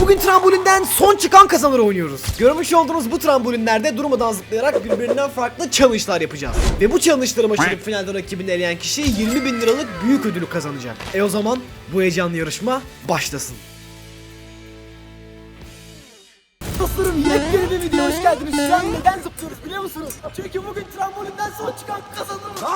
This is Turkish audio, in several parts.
Bugün trambolinden son çıkan kazanır oynuyoruz. Görmüş olduğunuz bu trambolinlerde durmadan zıplayarak birbirinden farklı challenge'lar yapacağız. Ve bu challenge'ları başarıp finalde rakibini eleyen kişi 20.000 liralık büyük ödülü kazanacak. O zaman bu heyecanlı yarışma başlasın. Dostlarım, yepyeni bir videoya hoş geldiniz. Şu an neden zıplıyoruz biliyor musunuz? Çünkü bugün trambolinden son çıkan kazanır.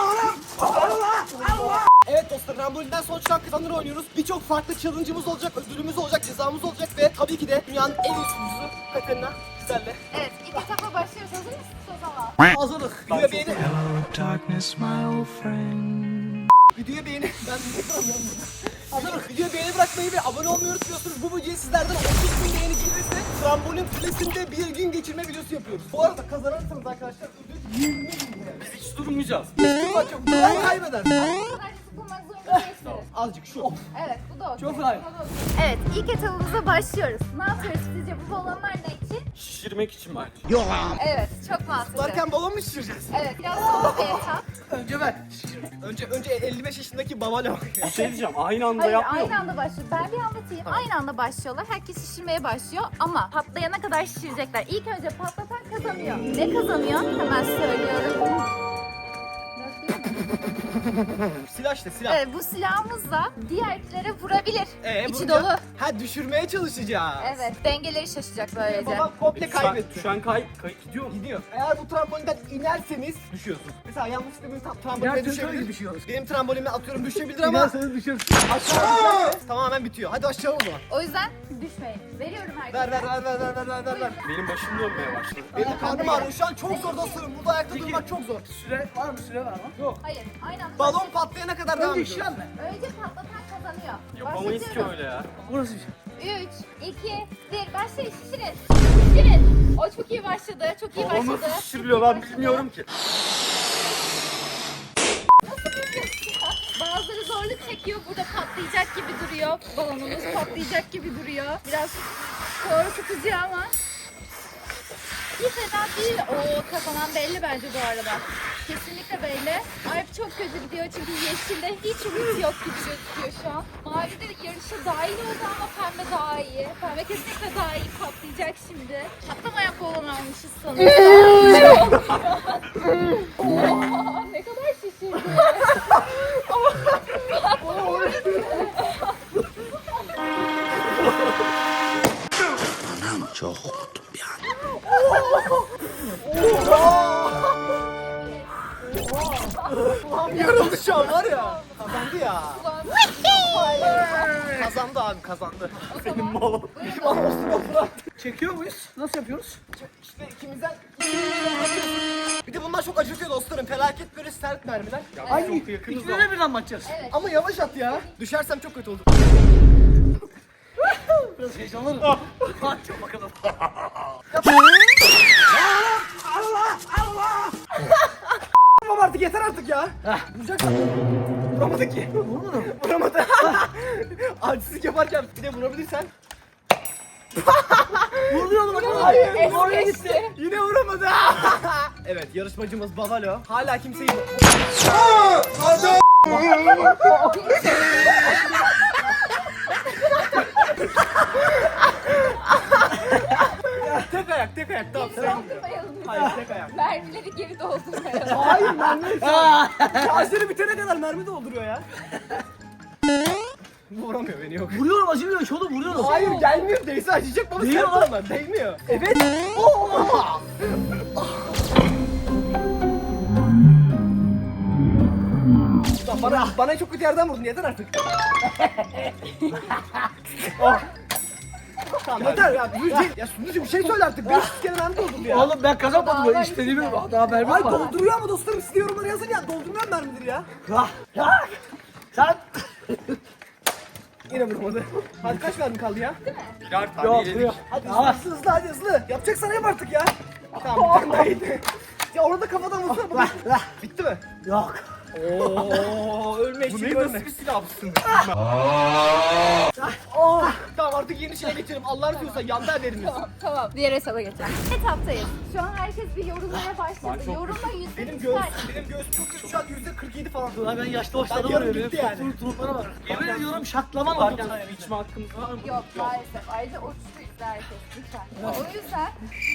Evet dostlar, trambolinden son çıkan kazanır oynuyoruz. Birçok farklı challenge'ımız olacak, ödülümüz olacak, cezamız olacak ve tabii ki de dünyanın en iyi sunucusu Katerina bizlerle. Evet, ilk etapa başlıyoruz. Hazır mısınız o zaman? Hazırlık. Videoya beğeni. Darkness, my old friend. Videoya beğeni. Ben duramıyorum. Hazırlık. Videoya beğeni bırakmayı ve abone olmayı unutmuyorsunuz. Bu videoyu sizlerden 30.000 beğeni gelirse trambolin kulesinde bir gün geçirme videosu yapıyoruz. Bu arada kazanırsanız arkadaşlar ödül 20.000 lira. Biz hiç durmayacağız. Çok kolay kaybedersin. Bu kadar sıkılmak zorunda değilsiniz. Azıcık şu. Evet, bu da okey. Çok kolay. Evet, ilk etapımıza başlıyoruz. Ne yapıyoruz sizce? Bu balonlar ne için? Şişirmek için bence. Evet, çok mantıklı. Varken balon mu şişireceğiz? Evet, biraz soğuk bir etap. Önce ben. Önce 55 yaşındaki babalo. Bir şey diyeceğim, aynı anda Hayır, yapmıyor aynı anda başlıyor. Ben bir anlatayım. Aynı anda başlıyorlar. Herkes şişirmeye başlıyor ama patlayana kadar şişirecekler. İlk önce patlatan kazanıyor. Ne kazanıyor? Hemen söylüyorum. Silah işte silah. Evet, bu silahımızla diğerkilere vurabilir. İçi vuracağız. dolu. Ha, düşürmeye çalışacağız. Evet, dengeleri şaşacak böylece. Babam komple kaybetti. Şu an gidiyor mu? Gidiyor. Eğer bu trambolinden inerseniz düşüyorsunuz. Mesela yanlışlıkla benim tramboline düşebilir. Düşüyoruz. Benim trambolinime atıyorum düşebilir ama İnerseniz düşersin. aşağı tamamen bitiyor. Hadi aşağı o zaman. O yüzden düşmeyin. Veriyorum herkese. Ver. Benim başım dönmeye başladı. Benim de karnım ağrıyor. Şu an çok zor dostlarım. Burada ayakta durmak çok zor. Süre var mı? Süre var mı? Yok. Hayır, aynı anda Balon başlıyoruz. patlayana kadar devam ediyoruz. İşlem mi? Önce patlatan kazanıyor. Yapamayız ki öyle ya. Burası bir şey. 3, 2, 1, başlayın, şişirin. Şişirin. O çok iyi başladı, çok iyi O başladı. nasıl şişiriliyor ben bilmiyorum ki. Nasıl bilmiyorsun ya? Bazıları zorluk çekiyor, burada patlayacak gibi duruyor. Balonumuz patlayacak gibi duruyor. Biraz korkutucu ama. Hiç fena değil. O kazanan belli bence bu arada. Kesinlikle belli. Alp çok kötü gidiyor çünkü yeşilde hiç umut yok gibi gözüküyor şu an. Mavi de yarışa dahil oldu ama pembe daha iyi. Pembe kesinlikle daha iyi patlayacak şimdi. Patlamayan balon almışız sanırım. Oha, ne kadar şişirdi. Anam çok korktum bir an. Yarıldı şu an var ya. Kazandı ya. Kazandı abi, kazandı. Benim balon. Benim anonsuma bırak. Çekiyor muyuz? Nasıl yapıyoruz? İşte ikimizden bir de bunlar çok acıtıyor dostlarım. Felaket böyle sert mermiler. Ay çok yakınız İkine de birden mi atacağız? Ama yavaş at ya. Düşersem çok kötü olur. Biraz heyecanlanırım. Hadi bakalım. Tamam artık, yeter artık ya. Vuracaksın. Vuramadı ki. Vurmadım. Vuramadı. Acizlik yaparken bir de vurabilirsen. Vuruyorum bak. Hayır, Es oraya geçti. gitti. Yine vuramadı. Evet, yarışmacımız Bavalo. Hala kimseyi... Tek ayak. Tamam. Geri doldurmayalım. Hayır, tek ayak. Mermileri geri doldurmayalım. Hayır, mermi. Şarjları bitene kadar mermi dolduruyor ya. Vuramıyor beni, yok. Vuruyorum, acımıyor. Şunu vuruyorum. Hayır, gelmiyor. Değse acıyacak bana. Değiyor Sert lan. olan. Değmiyor. Evet. Oh! Bana çok kötü yerden vurdun. Yeter artık. Oh. Tamam, yeter ya. Ya Sunucu bir şey söyle artık. 500 kere mermi doldurdu ya. Oğlum ben kazanmadım. Ben istediğimi daha vermem Ay var. dolduruyor ama dostlarım, siz de yorumlara yazın ya. Doldurmayan mermidir ya. Sen Yine vurmadı. Hadi kaç mermi kaldı ya? Birer tane yok yedik. yok. Hadi hızlı hadi hızlı. Yapacaksan yap artık ya. Tamam, bir tane daha yedi. Ya orada kafadan vursana baba. Bitti mi? Yok. Oo, ölme Bu işi ne, görme. nasıl bir silahsın? Oh, tamam artık yeni şeye geçelim. Allah'ını seversen yanda ederiniz. Tamam. Diğer etaba geçelim. Etaptayız. Şu an herkes bir yorumlara başladı. Yorumla Benim %100'ler. benim göğsüm çok kötü şu an %47 falan. Ulan ben yaşlı başladım Ben yarım oraya. gitti yani. Turuplara bak. Yemin ediyorum şaklaman oldu. Varken içme hakkımız var mı? Yok maalesef. Ayrıca uçtu herkes. Lütfen. O yüzden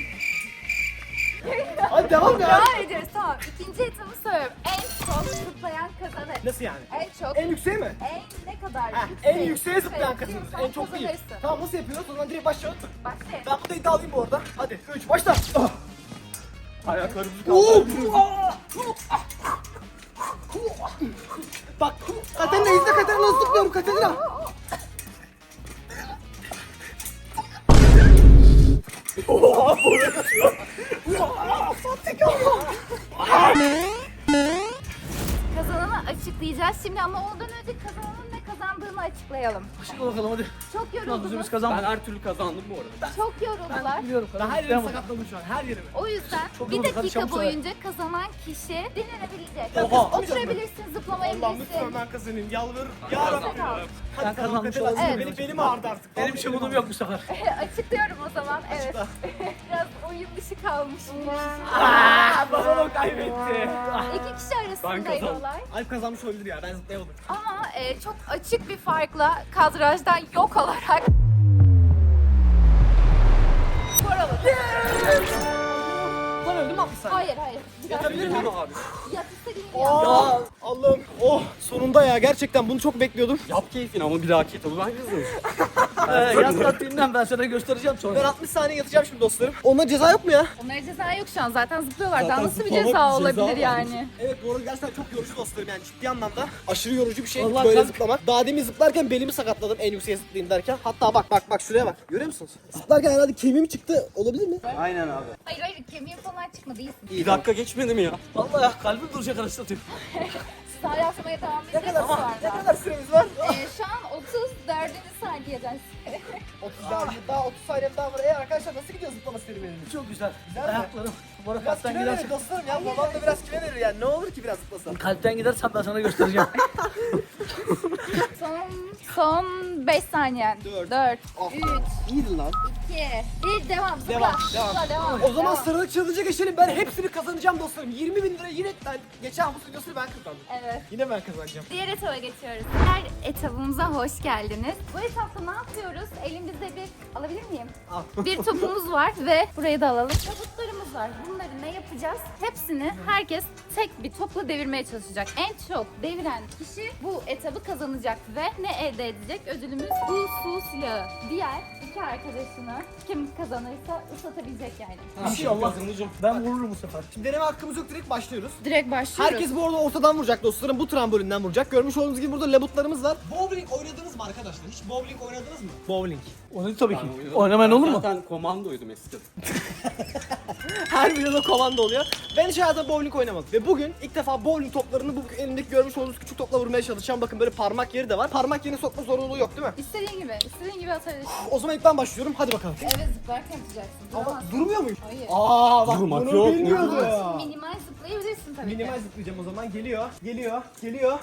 Hadi devam ya. devam ediyoruz. Tamam. İkinci etabı söylüyorum. En çok zıplayan kazanır. Nasıl yani? En çok. En yükseği mi? Ne kadar Heh, yüksek. en yükseğe zıplayan kazanır. zıplıyorsan En çok değil. kazanırsın. Tamam nasıl yapıyoruz? O zaman direkt başlayalım. Başlayalım. Ben bu da iddialıyım bu arada. Hadi 3 başla. Ayaklarımızı Oo! kaldırıyoruz. Bak Katerina izle Katerina nasıl zıplıyorum Katerina. Kazananı açıklayacağız şimdi ama ondan önce kazananın ne kazandığını açıklayalım. Şimdi bakalım hadi. Çok Biz yoruldunuz. kazanmadık. Ben her türlü kazandım bu arada. Çok yoruldular. Biliyorum. Ben her yerimi sakatladım şu an her yerimi. O yüzden Çok bir yorulduk, hadi dakika çabuk söyle. boyunca kazanan kişi dinlenebilecek. Oha. Oturabilirsin, Allah'ım zıplamayabilirsin. lütfen ben kazanayım yalvarırım. Yarabbim. Nefes al. Ben kazanmış Katerina, olayım. Evet. benim ağrıdı artık. Benim hiç umudum yok bu sefer. Açıklıyorum o zaman. Evet. Biraz oyun dışı kalmış. Babam kaybetti. İki kişi arasındaydı kazandım. olay. Alp kazanmış olabilir ya ben zıplayamadım. Ama çok açık bir farkla kadrajdan yok olarak skor alın. Lan öldüm mü 60 saniye? Hayır. Yatabilir miyim? Abi. Yat istediğin yap. Ya Allah'ım. Oh sonunda ya gerçekten bunu çok bekliyordum. Yap keyfini ama bir dahaki etabı ben yazarım. Yaz tatilinden ben sana göstereceğim Ben sonra. 60 saniye yatacağım şimdi dostlarım. Ona ceza yok mu ya? Onlara ceza yok şu an. Zaten zıplıyorlar. Daha Zaten nasıl bir zıplamak ceza bir olabilir ceza yani? Evet bu arada gerçekten çok yorucu dostlarım yani ciddi anlamda. Aşırı yorucu bir şey Vallahi böyle sen- zıplamak. Daha demin zıplarken belimi sakatladım en yükseğe zıplayayım derken. Hatta bak şuraya bak. Görüyor musunuz? Zıplarken herhalde kemiğim çıktı. Olabilir mi? Aynen abi. Hayır kemiğin falan çıkmadı. İyisin. Bir dakika geçmedi mi ya? Vallahi ya kalbim duracak anasını satayım. Sağ yapmaya devam Ne edeceğiz kadar, sonra. ne kadar süremiz var? Şu an 34. saniyeden. 30 daha 30 saniyem daha var. Arkadaşlar nasıl gidiyor zıplama serüveniniz? Çok güzel. Güzel mi? Ayaklarım. Bu Biraz harekattan kime verir gidersen. dostlarım ya? Babam da biraz kime verir yani? Ne olur ki biraz zıplasam? Kalpten gidersen ben sana göstereceğim. Son 5 saniyen. 4, Ah. 3, İyiydi lan. 2, 1 devam. Zıpla. Devam. Zıpla, devam. O zaman devam. sıradaki challenge'a geçelim. Ben hepsini kazanacağım dostlarım. 20.000 lira yine ben geçen bu videosunu ben kazandım. Evet. Yine ben kazanacağım. Diğer etaba geçiyoruz. Diğer etabımıza hoş geldiniz. Bu etapta ne yapıyoruz? Elimizde bir, alabilir miyim? Al. Bir topumuz var ve burayı da alalım. Tabutlarımız var. Bunları ne yapacağız? Hepsini herkes tek bir topla devirmeye çalışacak. En çok deviren kişi bu etabı kazanacak ve ne elde edecek? Ödülümüz bu su silahı. Diğer iki arkadaşını kim kazanırsa ıslatabilecek yani. İnşallah. Ben vururum bu sefer. Şimdi deneme hakkımız yok, direkt başlıyoruz. Direkt başlıyoruz. Herkes bu arada ortadan vuracak dostlarım. Bu trambolinden vuracak. Görmüş olduğunuz gibi burada labutlarımız var. Bowling oynadınız mı arkadaşlar? Hiç bowling oynadınız mı? Bowling. Onu tabii ki. Oynamayan olur mu? Zaten komandoydum eskiden. Her videoda komando oluyor. Ben hiç hayatımda bowling oynamadım. Ve bugün ilk defa bowling toplarını bu elimdeki görmüş olduğunuz küçük topla vurmaya çalışacağım. Bakın böyle parmak yeri de var. Parmak yerini sokma zorunluluğu yok değil mi? İstediğin gibi atabilirsin. O zaman ilk ben başlıyorum. Hadi bakalım. Evet zıplarken yapacaksın. Ama Duramazsın. durmuyor muyum? Hayır. Aa bak Durmak bunu yok. bilmiyordu. Minimal zıplayabilirsin tabii Minimal ki. zıplayacağım o zaman. Geliyor.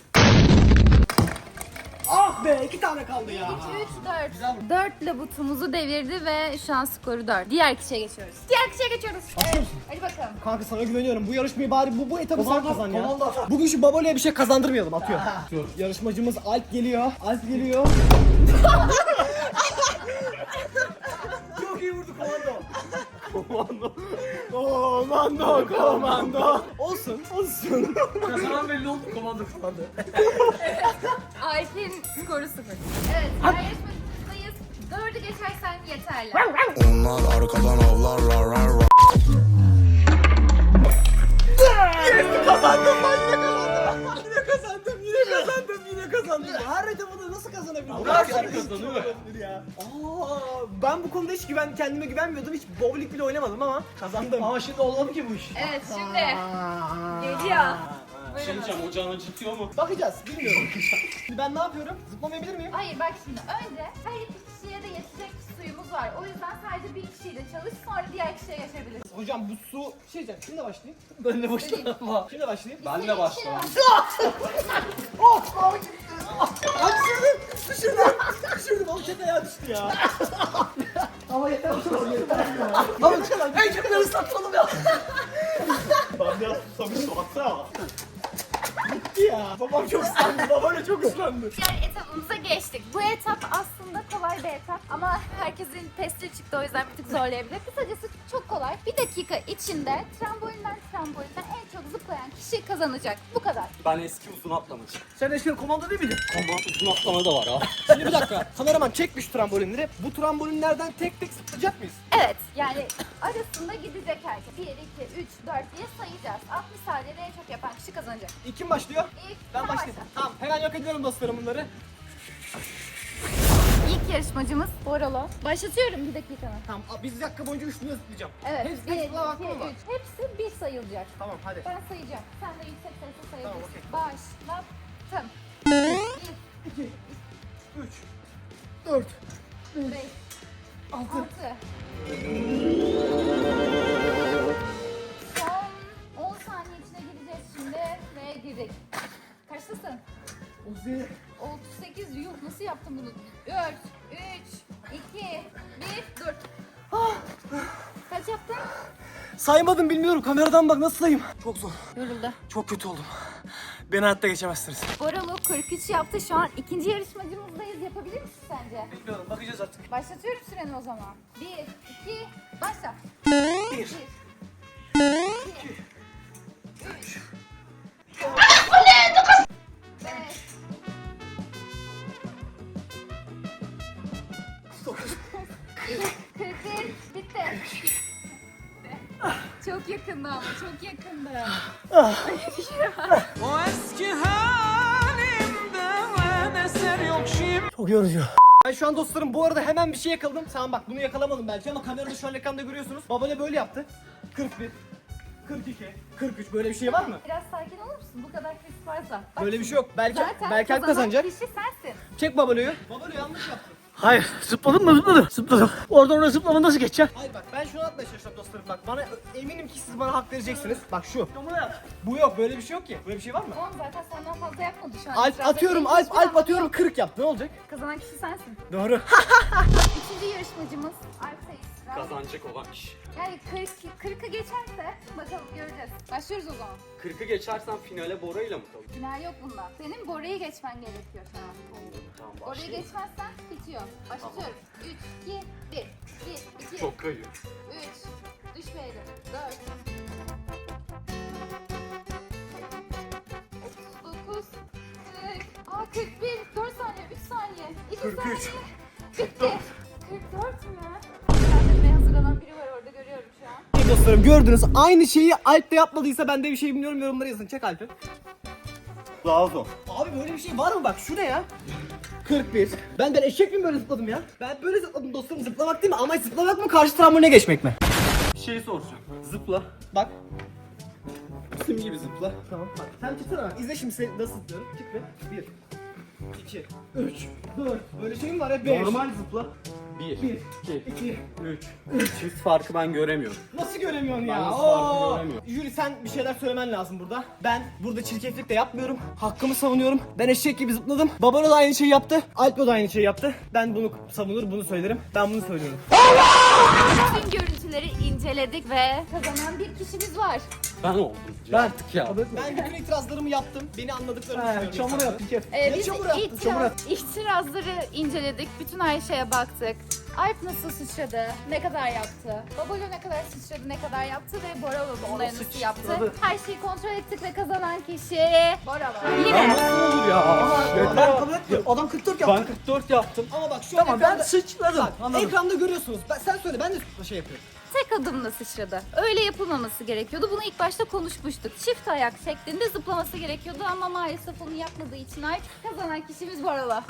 Ah be 2 tane kaldı ya. 3, 4. 4 labutumuzu devirdi ve şu an skoru 4. Diğer kişiye geçiyoruz. Evet. Hadi bakalım. Kanka sana güveniyorum. Bu yarışmayı bari bu etabı sen kazan ya. Bugün şu Baboli'ye bir şey kazandırmayalım. Atıyor. Yarışmacımız Alp geliyor. Çok iyi vurdu komando. Olsun. Kazanan belli oldu komando kazandı. Alp'in skoru 0. Evet. Diğer yarışmacımızdayız. 4'ü geçersen yeterli. Onlar arkadan avlar rar rar rar. Yine kazandım. Her etabında nasıl kazanabilirim? Herkes kazanıyor. Ya. Ben bu konuda hiç kendime güvenmiyordum. Hiç bowling bile oynamadım ama kazandım. Ama şimdi olmadı ki bu iş. Evet şimdi geliyor. Şey diyeceğim, ocağın acıtıyor mu? Bakacağız. Bilmiyorum. Şimdi ben ne yapıyorum? Zıplamayabilir miyim? Hayır bak şimdi önce her iki kişiye de yetecek suyumuz var. O yüzden sadece bir kişiyle çalış sonra diğer kişiye geçebilirsin. Hocam bu su şey diyeceğim. Kimle başlayayım? Ben de boşuna. Kimle başlayayım? Ben de başlıyorum. Oh! Hadi Düşürdüm oğlum tek ayağa düştü ya. Ama yeter oğlum yeter. Ama en çok ıslattı oğlum ya. Ben biraz susamıştım baksana. Gitti ya. Babam çok ıslandı. Babayla çok ıslandı. Diğer etapımıza geçtik. Bu etap aslında kolay bir etap ama herkesin testi çıktı o yüzden bir tık zorlayabilir. Kısacası çok kolay. Bir dakika içinde trambolinden en çok zıplayan kişi kazanacak. Bu kadar. Ben eski uzun atlamacı. Sen eski komando değil miydin? Ama uzun atlama da var ha. Şimdi bir dakika. Kameraman çekmiş trambolinleri. Bu trambolinlerden tek tek zıplayacak mıyız? Evet yani arasında gidecek herkes. 1, 2, 3, 4 diye sayacağız. 60 saniyede en çok yapan kişi kazanacak. İlk kim başlıyor? İlk Ben sen başlayayım. başla. Tamam hemen yok ediyorum dostlarım bunları. İlk yarışmacımız Borolo. Başlatıyorum bir dakikanı. Tamam biz bir dakika boyunca üstüne zıplayacağım. Evet. Hepsi 1, 2, 3. zıplama hakkım var. Hepsi bir sayılacak. Tamam hadi. Ben sayacağım. Sen de yüksek sesle sayabilirsin. Tamam, Başlattım. 2, 3, 4, 5, 6. 6. Son 10 saniye içine gireceğiz şimdi ve girdik. Kaçtasın? Ozi. 38. Yuh nasıl yaptın bunu? 4, 3, 2, 1, dur. Kaç yaptın? Saymadım bilmiyorum. Kameradan bak nasıl sayayım. Çok zor. Yoruldu. Çok kötü oldum. Beni hayatta geçemezsiniz. Boralo 43 yaptı. Şu an ikinci yarışmacımızdayız. Yapabilir misin sence? Bilmiyorum bakacağız artık. Başlatıyorum süreni o zaman. 1, 2, başla. 1, 1, 2, 3, 5, 41, bitti. Çok yakında ama çok yakında. O eski halimde eser yok şimdi. Çok yorucu. Ben şu an dostlarım bu arada hemen bir şey yakaladım. Tamam bak bunu yakalamadım belki ama kamerada şu an ekranda görüyorsunuz. Babale böyle yaptı. 41, 42, 43 böyle bir şey var mı? Biraz sakin olur musun? Bu kadar kriz varsa. Bak Böyle bir şey yok. Belki zaten belki Alp kazanan kazanacak. kişi sensin. Çek Babalo'yu. Babalo yanlış yaptı. Hayır zıpladım mı zıpladım. Zıpladım. Oradan oraya zıplama nasıl geçeceğim? Hayır bak ben şunu atmaya çalışacağım dostlarım bak. Bana eminim ki siz bana hak vereceksiniz. Bak şu. Bunu yap. Bu yok böyle bir şey yok ki. Böyle bir şey var mı? Tamam zaten senden fazla yapmadı şu an. Alp İtiraz atıyorum etmeyin. Alp atıyorum 40 yaptı. Ne olacak? Kazanan kişi sensin. Doğru. Üçüncü yarışmacımız Alp Sayıs. Kazanacak olan kişi. Yani 40'ı geçerse bakalım göreceğiz. Başlıyoruz o zaman. 40'ı geçersen finale Bora ile mi kalır? Final yok bunda. Senin Bora'yı geçmen gerekiyor şu an. Tamam Orayı başlayalım. geçmezsen bitiyor. Başlatıyorum. 3, 2, 1. 1, 2, Çok kayıyor. 3. Düşmeyelim. 4. 39. 40. Aa 41. 4 saniye. 3 saniye. 2 43. saniye. Bitti. 44 mü? Kendime hazırlanan biri var orada görüyorum şu an. Dostlarım gördünüz aynı şeyi Alp de yapmadıysa ben de bir şey bilmiyorum yorumlara yazın. Çek Alp'i. Daha zor. Abi böyle bir şey var mı bak şu ne ya? 41. Ben eşek miyim böyle zıpladım ya? Ben böyle zıpladım dostlarım zıplamak değil mi? Amaç zıplamak mı karşı tramboline geçmek mi? Bir şey soracağım. Zıpla. Bak. Sim gibi zıpla. Tamam bak sen çıksana bak. İzle şimdi seni nasıl zıplıyorum. Çık be. 1, 2, 3, 4. Böyle şey mi var ya? 5. Normal zıpla. 1, 1, 2, 2. 3. Çift farkı ben göremiyorum. Nasıl göremiyorsun ya? Ben nasıl Oo! farkı göremiyorum. Jüri sen bir şeyler söylemen lazım burada. Ben burada çirkeflik de yapmıyorum. Hakkımı savunuyorum. Ben eşek gibi zıpladım. Babana da aynı şeyi yaptı. Alp da aynı şeyi yaptı. Ben bunu savunur, bunu söylerim. Ben bunu söylüyorum. Tüm görüntüleri inceledik ve kazanan bir kişimiz var. Ben oldum. Artık ya. Ben bütün itirazlarımı yaptım. Beni anladıklarını düşünüyorum. Çamur insanların. yaptı kef. Ne Biz çamur attın, çamur attın. itirazları inceledik. Bütün her şeye baktık. Alp nasıl sıçradı, ne kadar yaptı, Babalo ne kadar sıçradı, ne kadar yaptı ve Bora bunları nasıl yaptı. Her şeyi kontrol ettik ve kazanan kişi Bora. Yine. Nasıl olur ya? Ben kabul etmiyorum. Adam 44 yaptı. Ben 44 yaptım. Ama bak şu an Tamam ben ekranda, sıçradım. Anladım. ekranda görüyorsunuz. Sen söyle ben de şey yapıyorum. Tek adımla sıçradı. Öyle yapılmaması gerekiyordu. Bunu ilk başta konuşmuştuk. Çift ayak şeklinde zıplaması gerekiyordu ama maalesef onu yapmadığı için Alp kazanan kişimiz Bora.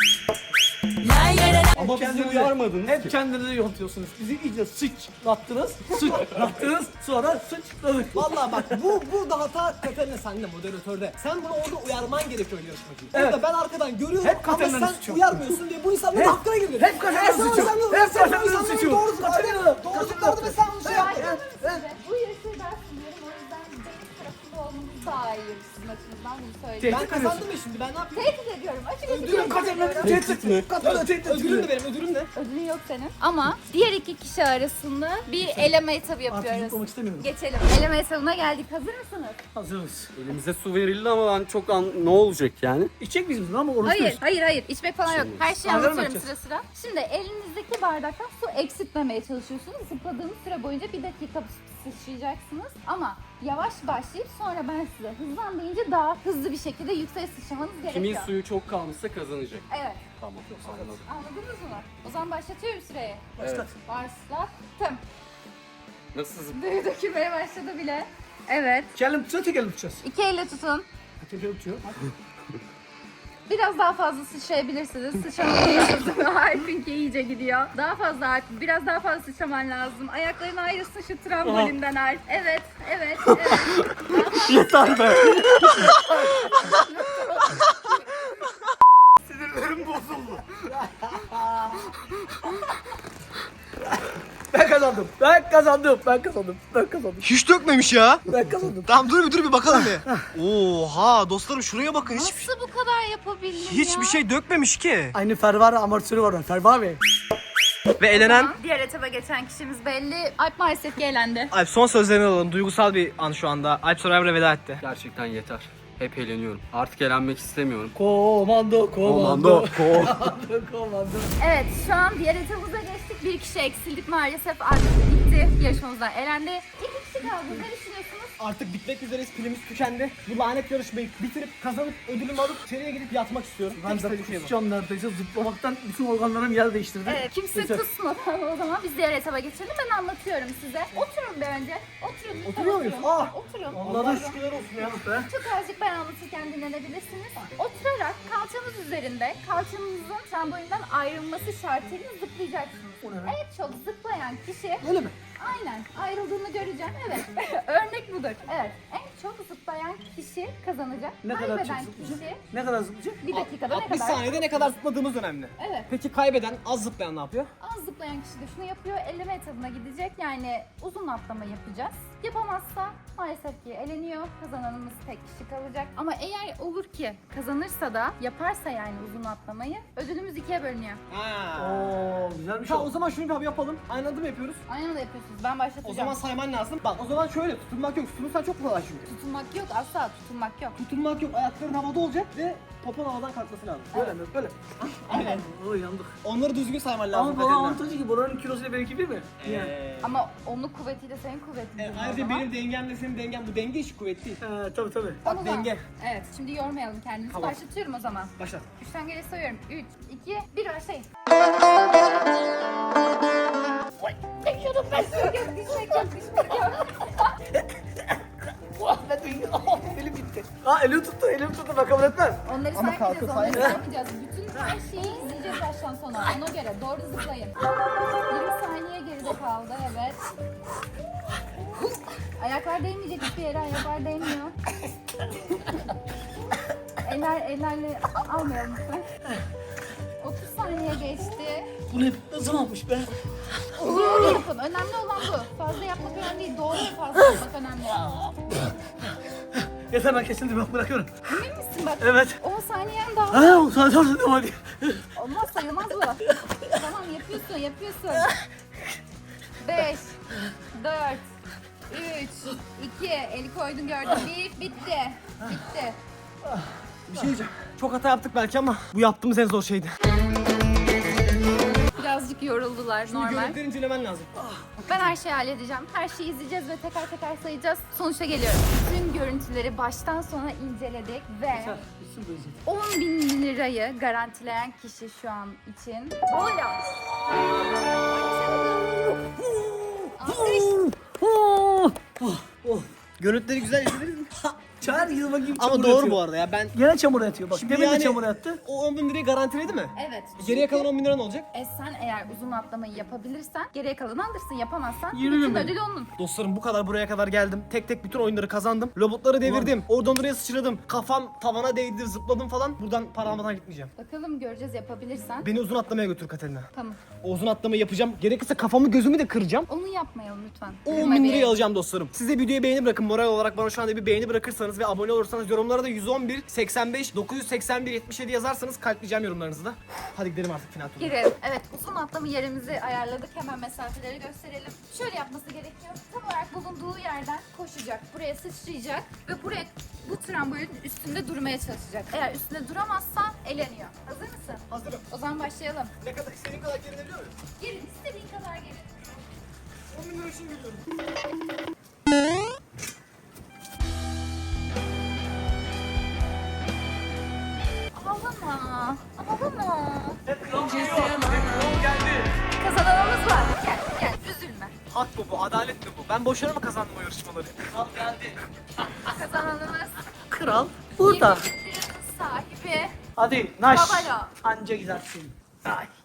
Ama bizi uyarmadınız ki. Hep kendinizi yontuyorsunuz. Bizi iyice sıçrattınız. Sıçrattınız. Sonra sıçradık. Vallahi bak burada hata Katerina sende moderatörde. Sen bunu orada uyarman gerekiyor yarışmacıyı. Evet. Orada ben arkadan görüyorum Hep ama Katerina'nın sen suçu. uyarmıyorsun diye bu insanların Hep- hakkına giriyor. hep Katerina'nın suçu. Hep Katerina'nın suçu. Doğru zıplardı ve sen bunu şey yaptın. Bu yarışı ben sunuyorum. O yüzden benim tarafında olmamız daha iyi sizin açınızdan. Bunu söyleyeyim. Ben kazandım ya şimdi, ben ne yapayım? Tehdit ediyorum. Açık açık Ödülüm tehdit kazandım. ediyorum. Tehdit mi? Ödülüm de benim, ödülüm ne? Ödülün yok senin. Ama diğer iki kişi arasında bir eleme etabı Artık yapıyoruz. zıplamak istemiyorum. Geçelim. Eleme etabına geldik. Hazır mısınız? Hazırız. Elimize su verildi ama ben çok ne olacak yani? İçecek miyiz bunu ama oruç Hayır, diyoruz. hayır. İçmek falan yok. Her şeyi Kahve mi anlatıyorum yapacağız? sıra sıra. Şimdi elinizdeki bardaktan su eksiltmemeye çalışıyorsunuz. Zıpladığınız süre boyunca 1 dakika sıçrayacaksınız. Ama yavaş başlayıp sonra ben size hızlan deyince daha hızlı bir şekilde yükseğe sıçramanız gerekiyor. Kimin suyu çok kalmışsa kazanacak. Evet. Tamam. Anladım. Anladınız mı? O zaman başlatıyorum süreyi. Başlat. Başlattım. Nasıl zıp? Dökülmeye başladı bile. Evet. Kelim tutacağız, tek elim tutacağız. 2 elle tutun. Tek elim tutuyor. Biraz daha fazla sıçrayabilirsiniz. Sıçramalısınız. Harpinki iyice gidiyor. Daha fazla Harp. Biraz daha fazla sıçraman lazım. Ayakların ayrılsın şu trambolinden Harp. Evet. Yeter be. Sinirlerim bozuldu. Ben kazandım. Hiç dökmemiş ya. Ben kazandım. Tamam dur bir bakalım bir. Oha dostlarım şuraya bakın, Nasıl bu kadar yapabildin hiçbir şey dökmemiş ki. Aynı Ferrari amortisörü var. Ferrari. Ve elenen Diğer etaba geçen kişimiz belli. Alp maalesef ki elendi. Alp, son sözlerini alalım. Duygusal bir an şu anda. Alp Survivor'a veda etti. Gerçekten yeter. Hep eğleniyorum. Artık eğlenmek istemiyorum. Komando. Evet, şu an diğer etabımıza geçtik. Bir kişi eksildik maalesef. Artık bitti. Yarışmamızdan elendi. 2 kişi kaldı. Ne düşünüyorsunuz? Artık bitmek üzereyiz, pilimiz tükendi. Bu lanet yarışmayı bitirip kazanıp ödülümü alıp içeriye gidip yatmak istiyorum. Ben Tek de istediğim şey bu. kusacağım neredeyse. Zıplamaktan bütün organlarım yer değiştirdi. Evet, kimse Yeter. kusmadan o zaman biz diğer etaba geçelim. Ben anlatıyorum size. Oturun bir önce. Oturun. lütfen Oturuyor muyuz? oturun. Aa! Oturun. Allah'a şükürler olsun ya be. Çok azıcık ben anlatırken dinlenebilirsiniz. Oturarak kalçanız üzerinde, kalçanızın trambolinden ayrılması şartıyla zıplayacaksınız. O ne be? En çok zıplayan kişi, Öyle mi? aynen ayrıldığını göreceğim, evet. Örnek budur. Evet, en çok zıplayan kişi kazanacak. Ne kadar çok Kaybeden zıplayacak? kişi Ne kadar zıplayacak? 1 dakikada ne 60 kadar? saniyede ne kadar zıpladığımız önemli. Evet. Peki kaybeden, az zıplayan ne yapıyor? Az zıplayan kişi de şunu yapıyor, elleme etabına gidecek. Yani uzun atlama yapacağız. Yapamazsa maalesef ki eleniyor. Kazananımız tek kişi kalacak. Ama eğer olur ki kazanırsa da yaparsa yani uzun atlamayı ödülümüz 2'ye bölünüyor. Oo güzelmiş Tamam, o. o zaman şunu bir abi yapalım. Aynı adım yapıyoruz. Aynı anda yapıyorsunuz. Ben başlatacağım. O zaman sayman lazım. Bak o zaman şöyle, tutunmak yok. Tutunursan çok kolay çünkü. Tutunmak yok, asla tutunmak yok. Tutunmak yok, ayakların havada olacak ve popon havadan kalkması lazım. Böyle mi? Böyle. Aynen. Oo yandık. Onları düzgün sayman lazım. Ama bana avantajı ki buranın kilosuyla benimki bir mi? Yani. Ama onun kuvvetiyle senin kuvvetin. değil o Ayrıca zaman. benim dengemle senin dengen, bu denge işi kuvvet değil. Tabii tabii. Bak Onu da- denge. Evet, şimdi yormayalım kendimizi. Tamam. Başlatıyorum o zaman. Başlat. 3'ten geri sayıyorum. 3, 2, 1 başlayın. Çekiyordum ben. Düşmek yok. Elim gitti. Elim tuttu ben kabul etmem. Onları Ama saymayacağız, kalkın, onları sayın. saymayacağız. Bütün her şeyi izleyeceğiz baştan sona. Ona göre doğru zıplayın. 20 saniye geride kaldı, evet. Ayaklar değmeyecek hiçbir yere, ayaklar değmiyor. Ellerle almayalım lütfen. 30 saniye geçti. Bu ne zamanmış be? Doğru yapın. Önemli olan bu. Fazla yapmak önemli değil. Doğru ve fazla yapmak önemli. Yeter ben kesildim ben bırakıyorum. Emin misin bak? Evet. 10 saniyen daha. Ha o sadece devam hadi. Olmaz, sayılmaz bu. Tamam, yapıyorsun. 5, 4, 3, 2, eli koydun gördün. 1, bitti. Bir şey diyeceğim. Çok hata yaptık belki ama bu yaptığımız en zor şeydi. Birazcık yoruldular Şimdi normal. görüntüleri incelemen lazım. Ben her şeyi halledeceğim. Her şeyi izleyeceğiz ve teker teker sayacağız. Sonuçta geliyorum. Tüm görüntüleri baştan sona inceledik ve Bitsin bu izin. 10.000 lirayı garantileyen kişi şu an için Boyla. Görüntüleri güzel izlediniz mi? Çağır yıl bakayım Ama çamur doğru yatıyor. bu arada ya, ben... Gene çamur yatıyor bak. Şimdi Demin de yani- çamur yattı. O 10 bin lirayı garantiledi mi? Evet. Geriye kalan 10 bin lira ne olacak? Sen eğer uzun atlamayı yapabilirsen geriye kalanı alırsın. Yapamazsan 20 bütün bin. ödül onun. Dostlarım bu kadar buraya kadar geldim. Tek tek bütün oyunları kazandım. Robotları devirdim. Oradan oraya sıçradım. Kafam tavana değdi, zıpladım falan. Buradan para almadan gitmeyeceğim. Bakalım göreceğiz yapabilirsen. Beni uzun atlamaya götür Katerina. Tamam. O uzun atlamayı yapacağım. Gerekirse kafamı gözümü de kıracağım. Onu yapmayalım lütfen. O 10 bin lirayı alacağım dostlarım. Size videoya beğeni bırakın. Moral olarak bana şu anda bir beğeni bırakırsanız olursanız ve abone olursanız, yorumlara da 111 85 981 77 yazarsanız kalpleyeceğim yorumlarınızı da. Hadi gidelim artık final turuna. Girelim. Evet, uzun atlama yerimizi ayarladık. Hemen mesafeleri gösterelim. Şöyle yapması gerekiyor. Tam olarak bulunduğu yerden koşacak. Buraya sıçrayacak ve buraya bu trambolin üstünde durmaya çalışacak. Eğer üstünde duramazsa eleniyor. Hazır mısın? Hazırım. O zaman başlayalım. Ne kadar istediğin kadar gerilebiliyor muyum? Gelin, istediğin kadar gelin. 10 bin lira için geliyorum. Ağlama. Ağlama. Kral geldi. Kazananımız var. Gel, gel. Üzülme. Hak bu, adalet mi bu? Ben boşuna mı kazandım o yarışmaları? Kral geldi. Kazananımız Kral burada. 20 liranın sahibi. Hadi naş. Babalo. Anca gidersin. Ay.